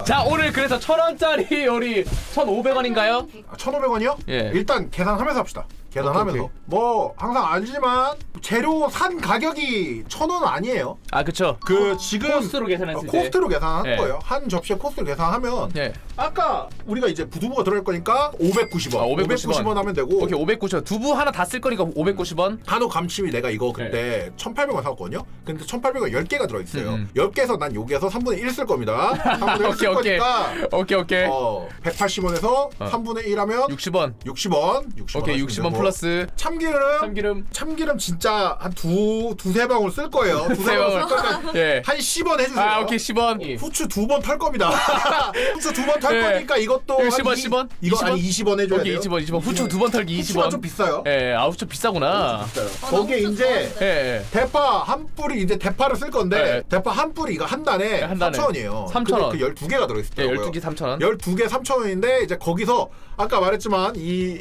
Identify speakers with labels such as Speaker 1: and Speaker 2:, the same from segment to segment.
Speaker 1: 자 오늘 그래서 1,000원짜리 요리 1,500원인가요?
Speaker 2: 1,500원이요?
Speaker 1: 예.
Speaker 2: 일단 계산하면서 합시다. 계산하면서.
Speaker 1: 오케이.
Speaker 2: 뭐 항상 알지만 재료 산 가격이 1,000원 아니에요.
Speaker 1: 아 그쵸.
Speaker 2: 그 지금
Speaker 1: 코스로 계산했을 때.
Speaker 2: 코스트로 계산한
Speaker 1: 예.
Speaker 2: 거예요. 한 접시에 코스트로 계산하면
Speaker 1: 예.
Speaker 2: 아까 우리가 이제 부두부가 들어갈 거니까 590원.
Speaker 1: 아, 590원
Speaker 2: 하면 되고.
Speaker 1: 오케이 590원. 두부 하나 다 쓸 거니까 590원.
Speaker 2: 한우 감침이 내가 이거 그때 1,800원 샀거든요. 근데 1,800원 10개가 들어있어요. 10개에서 난 여기에서 3분의 1 쓸 겁니다. 3분의 1 쓸
Speaker 1: 오케이,
Speaker 2: 거니까
Speaker 1: 오케이.
Speaker 2: 180원에서 3분의 1 하면
Speaker 1: 60원.
Speaker 2: 60원.
Speaker 1: 오케이 60원 플러스
Speaker 2: 참기름 진짜 한 두세 방울 쓸 거예요. 두세 방울 쓸 거니까
Speaker 1: 예.
Speaker 2: 한 10원 해주세요.
Speaker 1: 아 오케이 10원.
Speaker 2: 후추 2번 털 겁니다. 후추 2번 털
Speaker 1: 예.
Speaker 2: 거니까 이것도
Speaker 1: 이거
Speaker 2: 한
Speaker 1: 10원?
Speaker 2: 이거
Speaker 1: 20원?
Speaker 2: 한 20원 해줘야
Speaker 1: 오케이
Speaker 2: 돼요.
Speaker 1: 20원 후추 2번 털기 20원.
Speaker 2: 후추가 좀 비싸요.
Speaker 1: 예, 아 후추 비싸구나.
Speaker 2: 거기에
Speaker 3: 너무
Speaker 2: 이제
Speaker 1: 예, 예.
Speaker 2: 대파 한 뿌리 이제 대파를 쓸 건데
Speaker 1: 네.
Speaker 2: 대파 한 뿌리 이거 한 단에
Speaker 1: 한 단에
Speaker 2: 3,000원이에요.
Speaker 1: 3,000원.
Speaker 2: 그 12개가 들어
Speaker 1: 예,
Speaker 2: 있더라고요.
Speaker 1: 12개 3,000원.
Speaker 2: 12개 3,000원인데 이제 거기서 아까 말했지만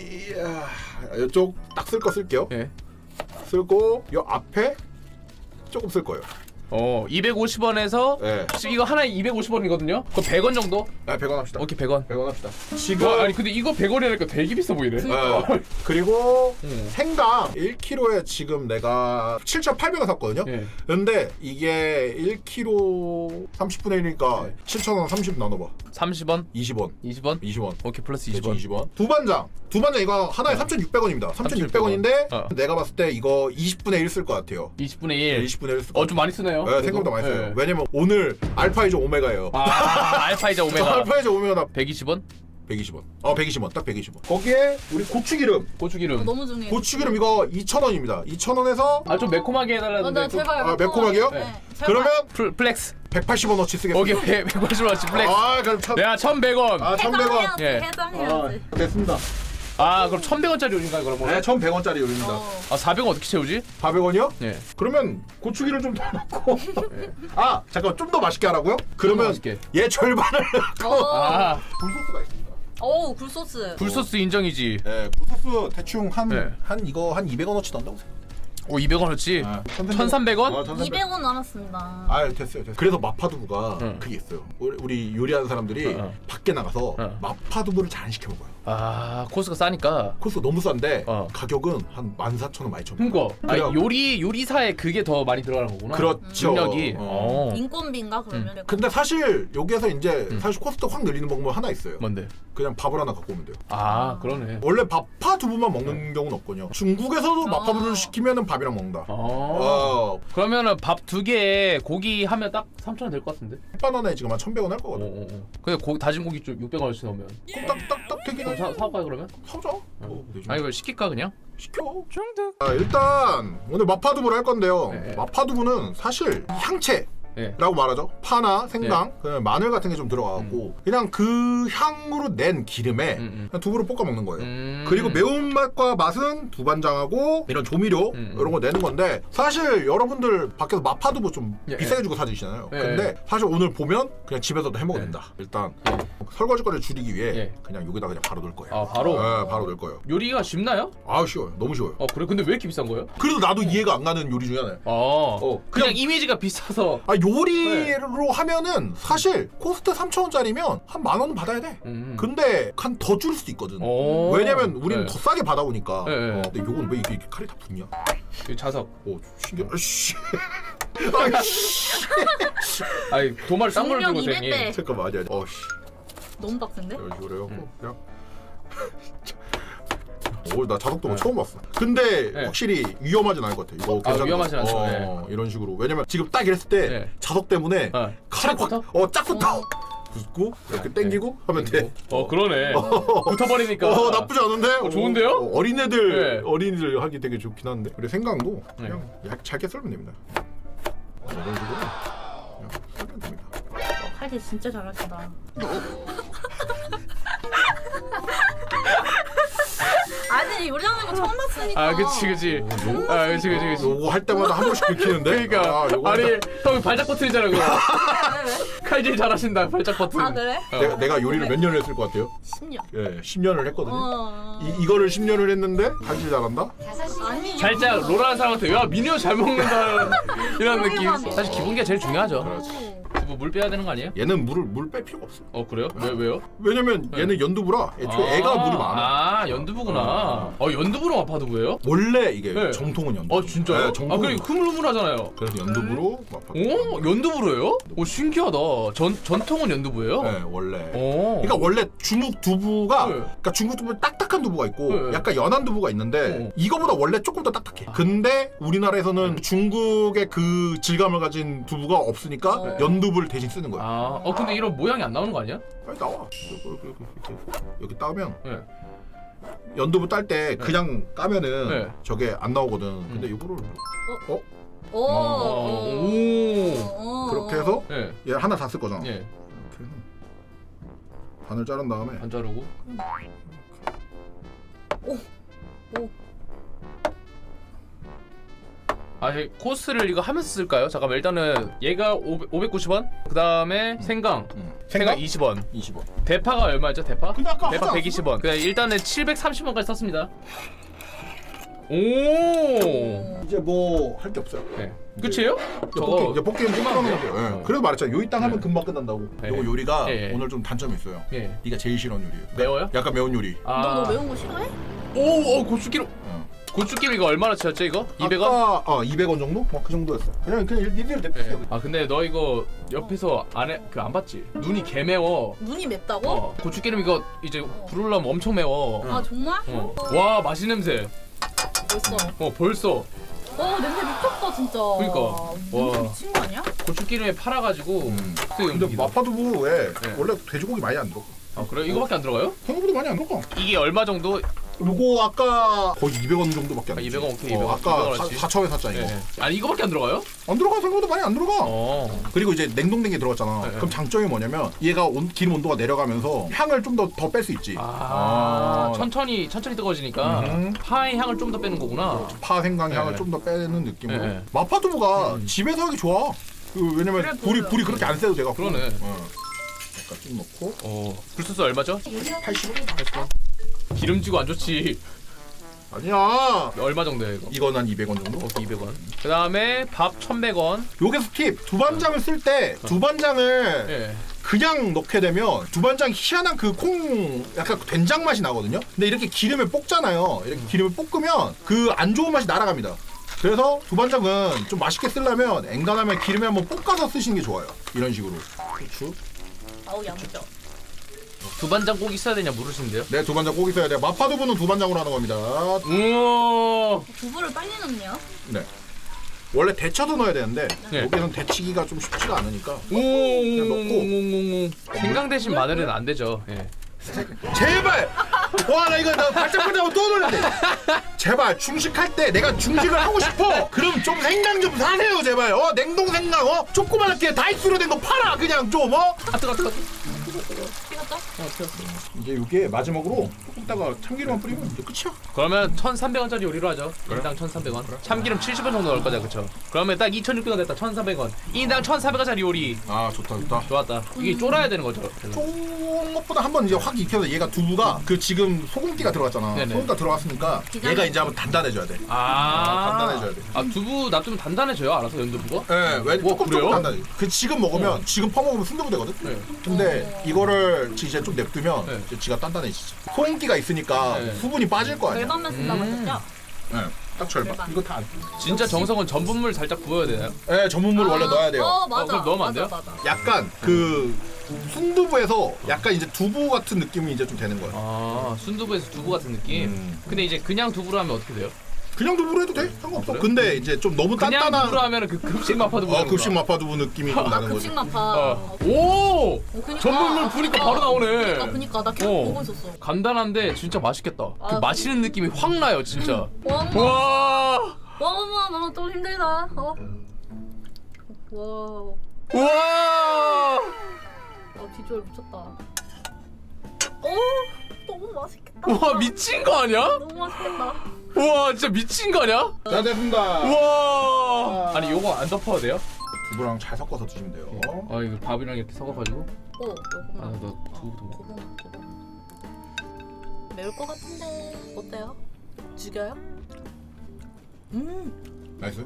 Speaker 2: 이쪽 딱 쓸 거 쓸게요.
Speaker 1: 예.
Speaker 2: 쓸고 요 앞에 조금 쓸 거예요.
Speaker 1: 250원에서
Speaker 2: 예.
Speaker 1: 이거 하나에 250원이거든요. 그거 100원 정도?
Speaker 2: 아, 100원 합시다.
Speaker 1: 오케이 100원.
Speaker 2: 100원 합시다. 지금
Speaker 1: 아니 근데 이거 100원이라니까 되게 비싸 보이네.
Speaker 2: 그리고 생강 1kg에 지금 내가 7,800원 샀거든요.
Speaker 1: 예.
Speaker 2: 근데 이게 1kg 30분의 1이니까 7,000원 30 나눠봐.
Speaker 1: 30원?
Speaker 2: 20원.
Speaker 1: 20원?
Speaker 2: 20원.
Speaker 1: 오케이 플러스
Speaker 2: 대충
Speaker 1: 20원.
Speaker 2: 20원. 두반장 이거 하나에 3,600원입니다. 3,600원인데
Speaker 1: 어.
Speaker 2: 내가 봤을 때 이거 20분의 1 쓸 것 같아요.
Speaker 1: 20분의 1.
Speaker 2: 20분의 1 쓸 것 같아요.
Speaker 1: 좀 많이 쓰네요.
Speaker 2: 네, 생각보다 많이 써요.
Speaker 1: 예.
Speaker 2: 왜냐면 오늘 알파이저 오메가예요.
Speaker 1: 알파이자 오메가.
Speaker 2: 알파이저 오메가 나
Speaker 1: 120원?
Speaker 2: 120원. 120원. 딱 120원. 거기에 우리 고추기름.
Speaker 1: 고추기름.
Speaker 3: 너무 중요해.
Speaker 2: 고추기름 이거 2,000원입니다. 2,000원에서
Speaker 1: 좀 매콤하게 해달라는데.
Speaker 3: 나 제발.
Speaker 2: 아, 매콤하게요?
Speaker 3: 네.
Speaker 2: 그러면
Speaker 1: 플렉스.
Speaker 2: 180원어치 쓰겠습니다.
Speaker 1: 오케이 150원어치 플렉스.
Speaker 2: 그럼
Speaker 1: 야 1,100원.
Speaker 2: 1,100원.
Speaker 3: 해장해야지.
Speaker 1: 예.
Speaker 3: 해장해야지.
Speaker 2: 됐습니다.
Speaker 1: 그럼 1,100원짜리 요리인가요 그러면?
Speaker 2: 네, 1,100원짜리 요리입니다.
Speaker 1: 400원 어떻게 채우지?
Speaker 2: 400원이요?
Speaker 1: 예.
Speaker 2: 그러면 고추기름 좀 더 넣고. 잠깐 좀 더 맛있게 하라고요? 그러면
Speaker 1: 맛있게.
Speaker 2: 얘 절반을 넣고 굴소스가 있습니다.
Speaker 3: 오 굴소스.
Speaker 1: 굴소스 인정이지.
Speaker 2: 네, 굴소스 대충 한
Speaker 1: 네.
Speaker 2: 이거 한 200원어치 넣는다고 생각해요.
Speaker 1: 200원어치?
Speaker 2: 아,
Speaker 1: 1,300원?
Speaker 3: 200원 남았습니다.
Speaker 2: 됐어요. 그래서 마파두부가
Speaker 1: 응.
Speaker 2: 그게 있어요. 우리 요리하는 사람들이
Speaker 1: 응.
Speaker 2: 밖에 나가서
Speaker 1: 응.
Speaker 2: 마파두부를 잘 안 시켜 먹어요.
Speaker 1: 코스가 싸니까.
Speaker 2: 코스가 너무 싼데
Speaker 1: 어.
Speaker 2: 가격은 한 14,000원, 12,000원.
Speaker 1: 그니까.
Speaker 2: 그래요.
Speaker 1: 요리사에 그게 더 많이 들어가는 거구나.
Speaker 2: 그렇죠.
Speaker 1: 능력이.
Speaker 3: 인건비인가 그러면?
Speaker 2: 근데 사실 여기에서 이제 사실 코스트 확 늘리는 방법 하나 있어요.
Speaker 1: 뭔데?
Speaker 2: 그냥 밥을 하나 갖고 오면 돼요.
Speaker 1: 그러네.
Speaker 2: 원래 마파두부만 먹는 경우는 없거든요. 중국에서도 마파두부를 시키면은 밥이랑 먹는다.
Speaker 1: 그러면은 밥 2개에 고기 하면 딱 3,000원 될 것 같은데?
Speaker 2: 햇반원에 지금 한 1,100원 할 거거든.
Speaker 1: 근데 다진 고기 좀 600원어치 넣으면.
Speaker 2: 딱딱딱 되긴
Speaker 1: 그럼
Speaker 2: 해.
Speaker 1: 사올까요 그러면?
Speaker 2: 사자. 되죠.
Speaker 1: 이거 시킬까 그냥?
Speaker 2: 시켜.
Speaker 1: 중득.
Speaker 2: 일단 오늘 마파두부를 할 건데요.
Speaker 1: 네.
Speaker 2: 마파두부는 사실 향채.
Speaker 1: 예.
Speaker 2: 라고 말하죠. 파나 생강, 그다음에 마늘 같은 게 좀 들어가고 그냥 그 향으로 낸 기름에 그냥 두부를 볶아 먹는 거예요. 그리고 매운맛과 맛은 두반장하고 이런 조미료 이런 거 내는 건데 사실 여러분들 밖에서 마파두부 좀 비싸게 주고 사드시잖아요. 근데 사실 오늘 보면 그냥 집에서도 해 먹어도 된다. 일단 설거지거리를 줄이기 위해 그냥 여기다 그냥 바로 넣을 거예요.
Speaker 1: 바로?
Speaker 2: 네, 바로 넣을 거예요.
Speaker 1: 요리가 쉽나요?
Speaker 2: 쉬워요. 너무 쉬워요.
Speaker 1: 그래? 근데 왜 이렇게 비싼 거예요?
Speaker 2: 그래도 나도 이해가 안 가는 요리 중에 하나예요.
Speaker 1: 그냥 이미지가 비싸서.
Speaker 2: 요리로 하면은 사실 코스트 3,000원짜리면 한 10,000원은 받아야 돼. 근데 한 더 줄일 수도 있거든. 왜냐면 우리는 더 싸게 받아오니까. 근데 요건 왜 이게 칼이 다 붙냐?
Speaker 1: 자석.
Speaker 2: 신기해. 아이씨.
Speaker 1: 아니 도마를 싼 걸로
Speaker 3: 중력
Speaker 1: 들고 다니.
Speaker 3: 200대.
Speaker 2: 잠깐만 아니야.
Speaker 3: 너무 빡센데?
Speaker 2: 이런 식으로 해갖고 그냥. 나 자석도 처음 봤어. 근데 확실히 위험하진 않을 것 같아. 이거 괜찮은
Speaker 1: 위험하진
Speaker 2: 것 같아.
Speaker 1: 않죠.
Speaker 2: 이런 식으로. 왜냐면 지금 딱 이랬을 때 자석 때문에 칼이 쫙 붙어. 붙고 이렇게 당기고 하면 돼.
Speaker 1: 그러네. 붙어버리니까.
Speaker 2: 나쁘지 않은데?
Speaker 1: 좋은데요?
Speaker 2: 어린이들 하기 되게 좋긴 한데. 그리고 생강도 그냥 얇게 썰면 됩니다. 이런 식으로 그냥 썰면 됩니다.
Speaker 3: 칼질 진짜 잘하신다. 아니 요리하는 거 처음 봤으니까.
Speaker 1: 그치.
Speaker 2: 요거 할 때마다 한 번씩 긁히는데.
Speaker 1: 그러니까 형 발작 버튼이잖아 그거. 칼질 잘하신다 발작 버튼.
Speaker 3: 그래?
Speaker 2: 내가 요리를 몇 년을 했을 것 같아요?
Speaker 3: 10년.
Speaker 2: 예, 10년을 했거든요. 이거를 10년을 했는데 칼질 잘한다?
Speaker 3: 아니.
Speaker 1: 살짝 롤하는 사람한테 야 민효 잘 먹는다 이런 느낌.
Speaker 3: 그러게만 해.
Speaker 1: 사실 기본기가 제일 중요하죠.
Speaker 2: 그렇지.
Speaker 1: 뭐 물 빼야 되는 거 아니에요?
Speaker 2: 얘는 물 뺄 필요가 없어.
Speaker 1: 그래요? 왜요?
Speaker 2: 왜냐면 얘는 연두부라 애초에 애가 물이 많아.
Speaker 1: 아 연두부구나. 연두부로 마파두부예요?
Speaker 2: 원래 이게
Speaker 1: 네.
Speaker 2: 정통은 연두.
Speaker 1: 진짜요?
Speaker 2: 네, 정통은.
Speaker 1: 그게 흐물흐물하잖아요.
Speaker 2: 그래서 연두부로 마파두부.
Speaker 1: 연두부로요? 신기하다. 전통은 연두부예요?
Speaker 2: 네, 원래.
Speaker 1: 오.
Speaker 2: 그러니까 원래 중국 두부가
Speaker 1: 네.
Speaker 2: 그러니까 중국 두부는 딱딱한 두부가 있고
Speaker 1: 네.
Speaker 2: 약간 연한 두부가 있는데 이거보다 원래 조금 더 딱딱해.
Speaker 1: 아.
Speaker 2: 근데 우리나라에서는 중국의 그 질감을 가진 두부가 없으니까 연두부를 대신 쓰는 거야.
Speaker 1: 근데 이런 모양이 안 나오는 거 아니야?
Speaker 2: 빨리 나와. 여기 따면
Speaker 1: 네.
Speaker 2: 연두부 딸 때 그냥 까면은
Speaker 1: 네.
Speaker 2: 저게 안 나오거든. 근데 이거를 그렇게 해서
Speaker 1: 네.
Speaker 2: 얘 하나 다 쓸 거잖아.
Speaker 1: 네.
Speaker 2: 이렇게 해서 반을 자른 다음에
Speaker 1: 반 자르고. 코스를 이거 하면서 쓸까요? 잠깐만 일단은 얘가 590원. 그 다음에 생강. 생강 20원.
Speaker 2: 20원.
Speaker 1: 대파가 얼마였죠? 대파?
Speaker 2: 근데 아까
Speaker 1: 대파
Speaker 2: 하지
Speaker 1: 120원. 그냥 일단은 730원까지 썼습니다. 오.
Speaker 2: 이제 뭐 할 게 없어요.
Speaker 1: 네. 끝이에요?
Speaker 2: 이제 볶기는 끝나는 거죠. 예. 그래도 말했잖아. 요리 땅 하면 금방 끝난다고.
Speaker 1: 네.
Speaker 2: 요거 요리가
Speaker 1: 네.
Speaker 2: 오늘 좀 단점이 있어요.
Speaker 1: 예.
Speaker 2: 네가 제일 싫어하는 요리예요.
Speaker 1: 매워요?
Speaker 2: 약간 매운 요리.
Speaker 3: 너 매운 거 싫어해?
Speaker 1: 고추기름. 고추기름 이거 얼마나 치웠죠 이거? 200원?
Speaker 2: 아까 200원 정도? 그 정도였어. 그냥 니들 대표.
Speaker 1: 근데 너 이거 옆에서 안 봤지? 눈이 개 매워.
Speaker 3: 눈이 맵다고?
Speaker 1: 고추기름 이거 이제 부르려면 엄청 매워.
Speaker 3: 아 정말?
Speaker 1: 와 맛있는 냄새.
Speaker 3: 벌써.
Speaker 1: 벌써.
Speaker 3: 냄새 미쳤다 진짜.
Speaker 1: 그러니까.
Speaker 3: 냄새
Speaker 1: 와.
Speaker 3: 미친 거 아니야?
Speaker 1: 고추기름에 팔아가지고.
Speaker 2: 근데 마파두부에
Speaker 1: 네.
Speaker 2: 원래 돼지고기 많이 안 들어가.
Speaker 1: 그래? 이거밖에 안 들어가요?
Speaker 2: 생각보다 많이 안 들어가.
Speaker 1: 이게 얼마 정도?
Speaker 2: 요거 아까 거의 200원 정도밖에 안
Speaker 1: 200원 오케이 200원.
Speaker 2: 아까
Speaker 1: 200원 치.
Speaker 2: 4차에 샀잖아 이거.
Speaker 1: 아니 이거밖에 안 들어가요?
Speaker 2: 안 들어가. 생각보다 많이 안 들어가. 그리고 이제 냉동된 게 들어갔잖아.
Speaker 1: 네.
Speaker 2: 그럼 장점이 뭐냐면 얘가 기름 온도가 내려가면서 향을 좀 더 뺄 수 있지.
Speaker 1: 천천히 뜨거워지니까 파의 향을 좀 더 빼는 거구나.
Speaker 2: 파 생강 향을
Speaker 1: 네.
Speaker 2: 좀 더 빼는 느낌으로.
Speaker 1: 네.
Speaker 2: 마파두부가 집에서 하기 좋아. 왜냐면
Speaker 3: 그래,
Speaker 2: 불이 그렇게 안 세도 돼갖고.
Speaker 1: 그러네.
Speaker 2: 약간 좀 넣고.
Speaker 1: 불소스 얼마죠?
Speaker 2: 80원?
Speaker 1: 기름지고 안 좋지.
Speaker 2: 아니야.
Speaker 1: 얼마 정도예요 이거?
Speaker 2: 이건 한 200원 정도?
Speaker 1: 오케이 200원. 그 다음에 밥 1100원.
Speaker 2: 요게 스팁. 두반장을 쓸 때 두반장을
Speaker 1: 예.
Speaker 2: 그냥 넣게 되면 두반장 희한한 그 콩 약간 된장 맛이 나거든요. 근데 이렇게 기름에 볶잖아요. 이렇게 기름에 볶으면 그 안 좋은 맛이 날아갑니다. 그래서 두반장은 좀 맛있게 쓰려면 엔간하면 기름에 한번 볶아서 쓰시는 게 좋아요. 이런 식으로. 후추.
Speaker 3: 아우 야무져.
Speaker 1: 두반장 꼭 있어야 되냐 물으시는데요?
Speaker 2: 네, 두반장 꼭 있어야 돼요. 마파두부는 두반장으로 하는 겁니다.
Speaker 1: 우와.
Speaker 3: 두부를 빨리 넣냐?
Speaker 2: 네. 원래 데쳐서 넣어야 되는데
Speaker 1: 네.
Speaker 2: 여기는 데치기가 좀 쉽지가 않으니까
Speaker 1: 오. 생강 대신 마늘은 안 되죠. 예.
Speaker 2: 제발! 와, 나 이거 발짝발짝하고 또 놀랐네. 제발 중식할 때 내가 중식을 하고 싶어. 그럼 좀 생강 좀 사세요, 제발. 냉동 생강, 조그맣게 다이스로 된 거 팔아, 그냥 좀,
Speaker 1: 뜨거.
Speaker 3: 찍었다?
Speaker 2: 이제 이게 마지막으로 조금 있다가 참기름만 뿌리면 이제 끝이야.
Speaker 1: 그러면 1,300원짜리 요리로 하죠. 인당 1,300원. 참기름 70원 정도 넣을 거죠, 그쵸? 그러면 딱 2,600원 됐다. 1,400원. 인당 1,400원짜리 요리.
Speaker 2: 아, 좋다.
Speaker 1: 좋았다. 이게 쫄아야 되는 거죠.
Speaker 2: 좋은 것보다 한번 이제 확 익혀서 얘가 두부가 그 지금 소금기가 들어갔잖아.
Speaker 1: 네네.
Speaker 2: 소금기가 들어갔으니까 얘가 이제 한번 단단해져야 돼. 단단해져야 돼.
Speaker 1: 두부 놔두면 단단해져요, 알아서 연두부가?
Speaker 2: 네, 왜 조금
Speaker 1: 그래요?
Speaker 2: 단단해. 그 지금 먹으면 지금 퍼먹으면 순두부 되거든.
Speaker 1: 네.
Speaker 2: 근데 이거를 이제 좀 냅두면
Speaker 1: 네.
Speaker 2: 이제 지가 단단해지지. 소금기가 있으니까
Speaker 1: 네.
Speaker 2: 수분이 빠질 거 아니야.
Speaker 3: 절반만 쓴다고 했죠?
Speaker 2: 네, 딱 절반.
Speaker 3: 절반.
Speaker 2: 이거 다.
Speaker 1: 진짜 정성은 전분물 살짝 부어야 되나요?
Speaker 2: 네, 전분물 원래 넣어야 돼요.
Speaker 3: 맞아.
Speaker 1: 그럼 넣으면 안 돼요?
Speaker 3: 맞아.
Speaker 2: 약간 그 순두부에서 약간 이제 두부 같은 느낌이 이제 좀 되는 거야.
Speaker 1: 순두부에서 두부 같은 느낌? 근데 이제 그냥 두부로 하면 어떻게 돼요?
Speaker 2: 그냥 두부로 해도 돼. 상관없어.
Speaker 1: 그래요?
Speaker 2: 근데 이제 좀 너무
Speaker 1: 그냥
Speaker 2: 단단한
Speaker 1: 두부로 하면 그 급식 마파두부
Speaker 2: 급식 마파두부 느낌이 좀 나는 거지.
Speaker 3: 급식 마파.
Speaker 1: 오!
Speaker 3: 그니까.
Speaker 1: 전분물 부니까 바로 나오네.
Speaker 3: 그니까 나 계속 보고 있었어.
Speaker 1: 간단한데 진짜 맛있겠다. 그 마시는 느낌이 확 나요, 진짜.
Speaker 3: 와,
Speaker 1: 와!
Speaker 3: 나좀 힘들다. 와,
Speaker 1: 와!
Speaker 3: 비주얼 미쳤다. 너무 맛있겠다.
Speaker 1: 와, 미친 거 아니야?
Speaker 3: 너무 맛있겠다.
Speaker 1: 와, 진짜 미친 거 아니야?
Speaker 2: 자, 됐습니다.
Speaker 1: 와! 아니, 요거 안 덮어도 돼요?
Speaker 2: 두부랑 잘 섞어서 드시면 돼요.
Speaker 1: 이거 밥이랑 이렇게 섞어가지고.
Speaker 3: 요거만.
Speaker 1: 너 두부도 먹어.
Speaker 3: 고구마. 매울 것 같은데 어때요? 죽여요?
Speaker 2: 나이스.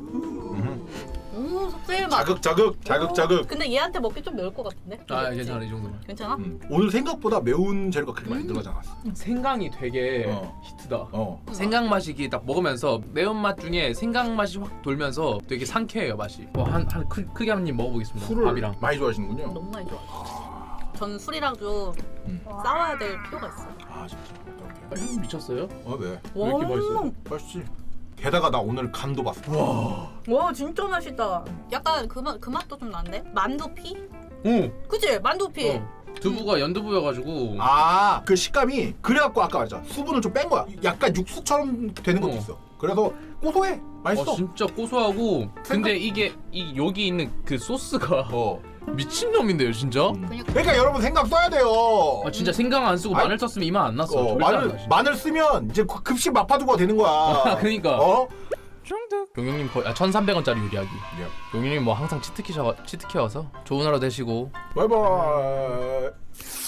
Speaker 3: 속세일 맛.
Speaker 2: 자극.
Speaker 3: 근데 얘한테 먹기 좀 매울 것 같은데?
Speaker 1: 아 괜찮아 이 정도면.
Speaker 3: 괜찮아?
Speaker 2: 오늘 생각보다 매운 재료가 그렇게 많이 들어가지 않았어.
Speaker 1: 생강이 되게 히트다. 생강 맛이 이게 딱 먹으면서 매운맛 중에 생강 맛이 확 돌면서 되게 상쾌해요 맛이. 크게 한 입 먹어보겠습니다.
Speaker 2: 술을
Speaker 1: 밥이랑.
Speaker 2: 많이 좋아하시는군요.
Speaker 3: 너무 많이 좋아. 전 술이랑 좀 싸워야 될 필요가 있어.
Speaker 2: 아 진짜.
Speaker 1: 향 미쳤어요?
Speaker 2: 네.
Speaker 1: 왜 이렇게 맛있어요?
Speaker 2: 맛있지. 게다가 나 오늘 간도 봤어.
Speaker 3: 와 진짜 맛있다. 약간 그 맛도 좀 나는데? 만두피?
Speaker 1: 오.
Speaker 3: 그치? 만두피.
Speaker 1: 두부가 연두부여가지고.
Speaker 2: 아, 그 식감이 그래갖고 아까 말했잖아. 수분을 좀 뺀 거야. 약간 육수처럼 되는 것도 있어. 그래서 고소해. 맛있어.
Speaker 1: 진짜 고소하고. 근데 이게 여기 있는 그 소스가 미친놈인데요 진짜?
Speaker 2: 그러니까 여러분 생강 써야 돼요.
Speaker 1: 아 진짜 생강 안 쓰고 마늘 썼으면 이 맛 안 났어. 절대 안 나, 진짜.
Speaker 2: 마늘 쓰면 이제 급식 마파두부가 되는 거야.
Speaker 1: 그러니까.
Speaker 2: 중득.
Speaker 1: 용영님 거의 1,300원짜리 요리하기. 용영님 뭐 항상 치트키여서 좋은 하루 되시고.
Speaker 2: 바이바이.